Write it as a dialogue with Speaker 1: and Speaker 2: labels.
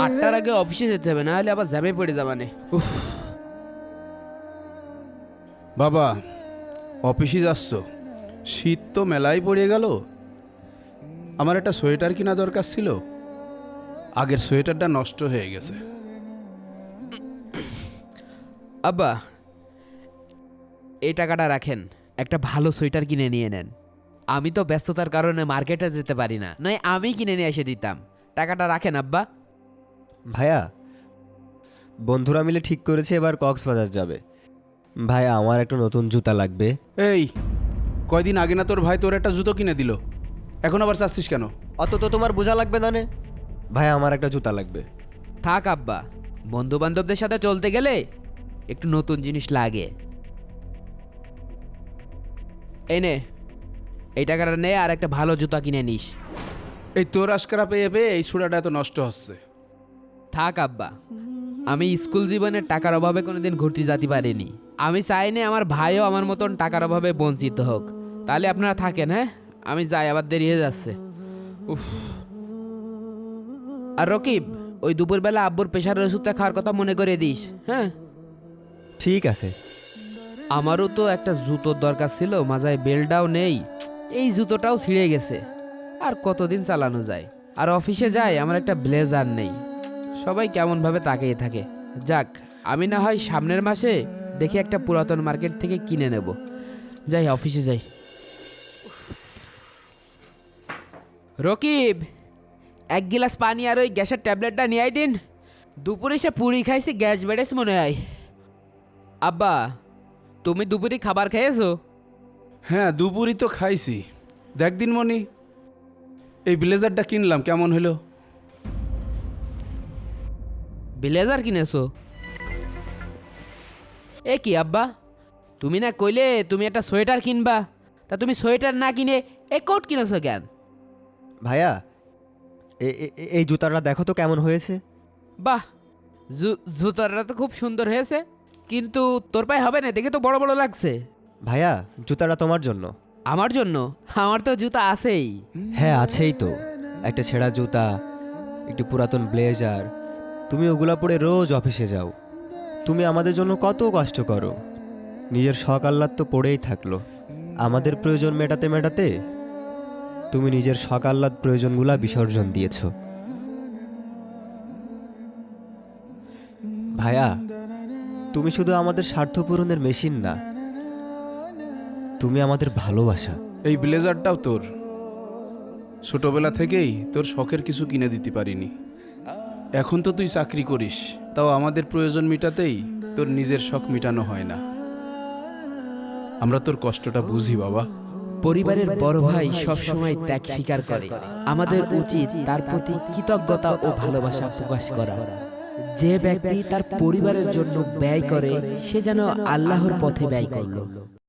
Speaker 1: 8টার আগে অফিসে যেতে হবে, না হলে আবার জ্যামে পড়ে যাবানে। উফ।
Speaker 2: বাবা, অফিসে যাচ্ছ? শীত তো মেলাই পড়ে গেল। আমার একটা সোয়েটার কিনা দরকার ছিল, আগের সোয়েটারটা নষ্ট হয়ে গেছে।
Speaker 1: আব্বা, এই টাকাটা রাখেন, একটা ভালো সোয়েটার কিনে নিয়ে নেন। আমি তো ব্যস্ততার কারণে মার্কেটে যেতে পারি না, নয় আমি কিনে নিয়ে এসে দিতাম। টাকাটা রাখেন আব্বা।
Speaker 3: ভাইয়া, বন্ধুরা মিলে ঠিক করেছে এবার কক্সবাজার যাবে। ভাইয়া, আমার একটা নতুন জুতা লাগবে।
Speaker 2: এই, কয়দিন আগে না তোর ভাই তোর একটা জুতো কিনে দিল, এখন আবার চাচ্ছিস কেন?
Speaker 3: অত তো তোমার বোঝা লাগবে না নে। ভাইয়া, আমার একটা জুতা লাগবে।
Speaker 1: থাক আব্বা, বন্ধু বান্ধবদের সাথে চলতে গেলে একটু নতুন জিনিস লাগে। এই নে, এই টাকাটা নে আর একটা ভালো জুতা কিনে নিস।
Speaker 2: এই তোর আজকারা পেয়ে পেয়ে এই ছোড়াটা এত নষ্ট হচ্ছে।
Speaker 1: থাক আব্বা, আমি স্কুল জীবনের টাকার অভাবে কোনোদিন ঘুরতে যেতে পারিনি। আমি চাইনি আমার ভাইও আমার মতন টাকার অভাবে বঞ্চিত হোক। তাহলে আপনারা থাকেন, হ্যাঁ? আমি যাই, আবার দেরি হয়ে যাচ্ছে। উফ। আর রকিব, ওই দুপুরবেলা আব্বুর প্রেশারের ওষুধটা খাওয়ার কথা মনে করে দিস, হ্যাঁ?
Speaker 3: ঠিক আছে।
Speaker 1: আমারও তো একটা জুতোর দরকার ছিল, মাজায় বেল্টটাও নেই, এই জুতোটাও ছিঁড়ে গেছে। আর কতদিন চালানো যায়? আর অফিসে যাই, আমার একটা ব্লেজার নেই। সবাই কেমনভাবে তাকিয়ে থাকে। যাক, আমি না হয় সামনের মাসে দেখি একটা পুরাতন মার্কেট থেকে কিনে নেব। যাই, অফিসে যাই। রকিব, 1 গিলাস পানি আর ওই গ্যাসের ট্যাবলেটটা নিয়ে দিন। দুপুরে সে পুরি খাইছি, গ্যাস বেড়েছে মনে হয়। আব্বা, তুমি দুপুরে খাবার খেয়েছো?
Speaker 2: হ্যাঁ, দুপুরই তো খাইছি। দেখ দিনমণি, এই ব্লেজারটা কিনলাম, কেমন হলো?
Speaker 1: ব্লেজার কিনেছো? এ কি আব্বা, তুমি না কইলে তুমি একটা সোয়েটার কিনবা? তা তুমি সোয়েটার না কিনে এ কোট কিনেছো কেন?
Speaker 3: ভাইয়া, এই জুতাটা দেখো তো কেমন হয়েছে।
Speaker 1: বাহ, জুতাটা তো খুব সুন্দর হয়েছে, কিন্তু তোর পায়ে হবে না, দেখে তো বড় বড় লাগছে।
Speaker 3: ভাইয়া, জুতাটা তোমার জন্য।
Speaker 1: আমার জন্য? আমার তো জুতা আছেই।
Speaker 3: হ্যাঁ, আছেই তো। একটা ছেঁড়া জুতা, একটি পুরাতন ব্লেজার। তুমি ওগুলা পরে রোজ অফিসে যাও। তুমি আমাদের জন্য কত কষ্ট করো। নিজের শখ আহ্লাদ তো পড়েই থাকলো। আমাদের প্রয়োজন মেটাতে মেটাতে তুমি নিজের শখ আহ্লাদ প্রয়োজনগুলা বিসর্জন দিয়েছ। ভাইয়া, তুমি শুধু আমাদের স্বার্থ পূরণের মেশিন না, তুমি আমাদের ভালোবাসা।
Speaker 2: এই ব্লেজারটাও তোর। ছোটবেলা থেকেই তোর শখের কিছু কিনে দিতে পারিনি। এখন তো তুই চাকরি করিস, তাও আমাদের প্রয়োজন মেটাতেই তোর নিজের শখ মেটানো হয় না। আমরা তোর কষ্টটা বুঝি বাবা।
Speaker 1: পরিবারের বড় ভাই সব সময় ত্যাগ স্বীকার করে। আমাদের উচিত তার প্রতি কৃতজ্ঞতা ও ভালোবাসা প্রকাশ করা। যে ব্যক্তি তার পরিবারের জন্য ব্যয় করে, সে যেন আল্লাহর পথে ব্যয় করলো।